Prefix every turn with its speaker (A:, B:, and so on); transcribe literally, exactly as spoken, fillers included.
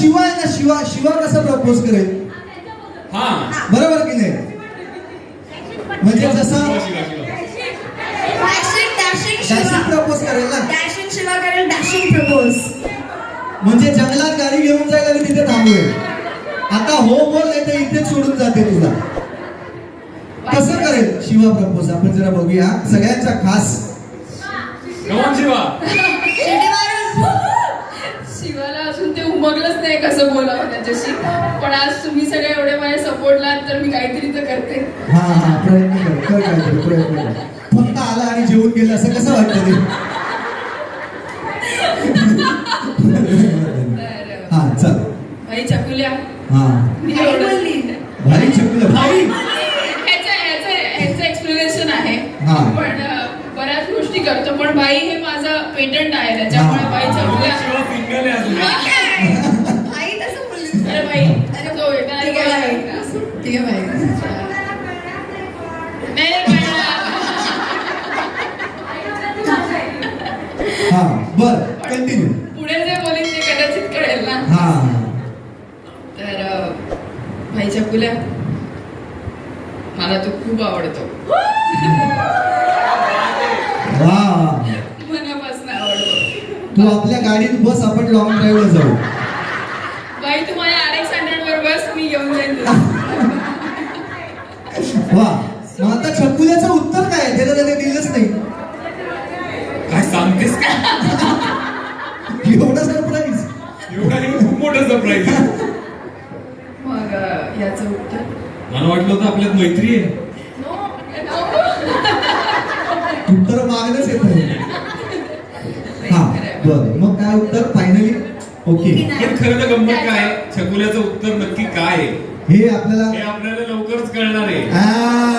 A: शिवा आहे ना, शिवा शिवा कसा प्रपोज करेल?
B: हा
A: बरोबर की नाही? म्हणजे जसा डॅशिंग प्रपोज करेल ना,
C: डॅशिंग शिवा करेल, डॅशिंग प्रपोज.
A: म्हणजे जंगलात गाडी घेऊन जाईल आणि तिथे थांबवेल. आता हो बोल नाही तर इथेच सोडून जाते तुला. कसं करेल शिवा प्रपोज? आपण जरा बघूया. सगळ्यांचा खास
B: कमान शिवा.
D: शिवाला अजून ते उमगलंच नाही कसं बोलावं त्याच्याशी, पण आज तुम्ही सगळे एवढे माझ्या सपोर्टला तर मी काहीतरी तर करते.
A: हा हा प्रयत्न कर कर काहीतरी प्रयत्न कर. फक्त आला आणि जेवून गेला असं कसं वाटतं ते? हा चल
D: भाई चकुल्या
A: हा
D: मी एवढं
A: भारी चकुल्या भारी.
D: ह्याचं ह्याचं ह्याचं एक्सप्लेनेशन आहे,
A: हा.
D: पण अं, बऱ्याच गोष्टी करतो, पण बाई हे माझं पेटंट आहे, त्याच्यामुळे बाई चकुल्या.
B: शिवा सिंगल आहे अजून.
C: आई तसं बोलली.
D: अरे बाई अरे तो वेगळा
C: ठीक आहे बाई. ठीक आहे बाई.
D: नाही पण
A: हा बर कंटिन्यू.
D: पुढे जे बोलेन ते कदाचित कळेल ना.
A: हा
D: तर अं, भाई चकुल्या मला तो खूप आवडतो,
A: वा
D: मनापासून आवडतो.
A: तू आपल्या गाडीत बस, आपण लॉंग ड्राईव्हला जाऊ.
D: बाई तू माझ्या आर एक्स हंड्रेड वर बस, मी घेऊन जाईन तुला.
A: वा मग आता छकुल्याचं उत्तर काय? त्याला त्याने दिलंच नाही.
B: काय सांगतेस का?
A: एवढा सरप्राईज.
B: एवढा नाही, खूप मोठा सरप्राईज.
D: मग अं, याचं उत्तर
B: मला वाटलं होतं आपल्यात मैत्री आहे.
A: उत्तर मागणंच येत नाही. हा बर मग काय उत्तर फायनली? ओके.
B: पण खरं तर गंमत काय, छकुल्याचं उत्तर नक्की काय आहे
A: हे आपल्याला
B: हे आपल्याला लवकरच कळणार आहे.
A: आ,